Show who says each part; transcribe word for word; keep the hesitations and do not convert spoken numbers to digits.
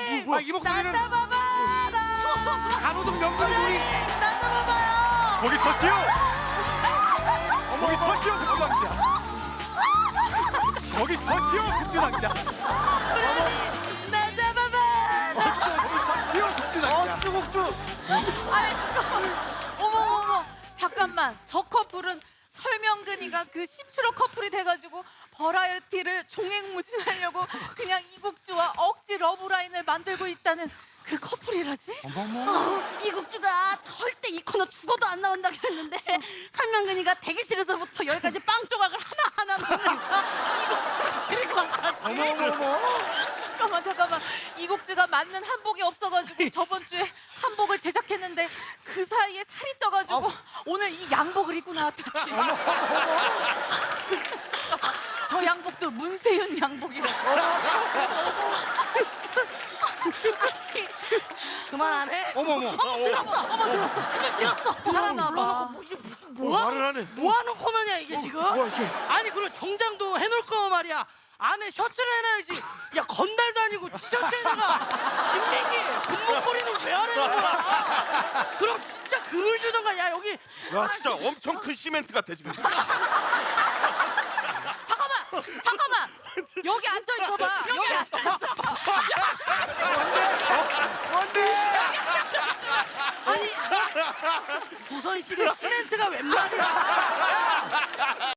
Speaker 1: 뭐, 뭐, 이 목소리는
Speaker 2: 나 잡아봐. 나.
Speaker 1: 간호동 명분 소리.
Speaker 2: 나 잡아봐요.
Speaker 1: 거기 서시오. 거기 서시오 급주당자. 거기 서시오 급주당자.
Speaker 2: 나 잡아봐.
Speaker 1: 거기 서시오 급주당자.
Speaker 2: 어쭈국쭈.
Speaker 3: 아니 잠깐만. 어머 어머 잠깐만. 저 커플은 설명근이가 그 심추러 커플이 돼가지고 버라이어티를 종횡무진하려고 그냥 이국주와 억지 러브라인을 만들고 있다는 그 커플이라지?
Speaker 2: 어, 이국주가 절대 이 코너 죽어도 안 나온다고 했는데 설명근이가 대기실에서부터 여기까지 빵 조각을 하나하나 먹으면서 이국주를 데리고 왔다지.
Speaker 1: 어머 어머 어머.
Speaker 3: 잠깐만 잠깐만. 이국주가 맞는 한복이 없어가지고 저번 주에 한복을 제작했는데 그 사이에 살이 쪄가지고 오늘 이 양복을 입고 나왔다지. 저 양복도 문세윤 양복이라지.
Speaker 2: 그만 안 해?
Speaker 1: 어머 어머.
Speaker 3: 어머 들었어. 어머 들었어.
Speaker 2: 그걸 들었어.
Speaker 3: 들었나 봐.
Speaker 2: 불러놓고 뭐, 이게 무슨 뭐,
Speaker 1: 말을 하네.
Speaker 2: 뭐 하는 코너냐 이게 지금?
Speaker 1: 뭐야, 이게?
Speaker 2: 아니 그리고 정장도 해놓을 거 말이야. 안에 셔츠를 해놔야지. 야 건달도 아니고 티셔츠에다가 김민기 분무거리는 왜 하라는 거야? 그럼 진짜 금을 주던가. 야 여기
Speaker 1: 야 진짜 엄청 큰 시멘트 같아 지금.
Speaker 3: 잠깐만. 잠깐만. 여기 앉아 있어봐. 여기 앉아 있어봐.
Speaker 1: 뭔데?
Speaker 2: 아니 조선시대 시멘트가 웬 말이야?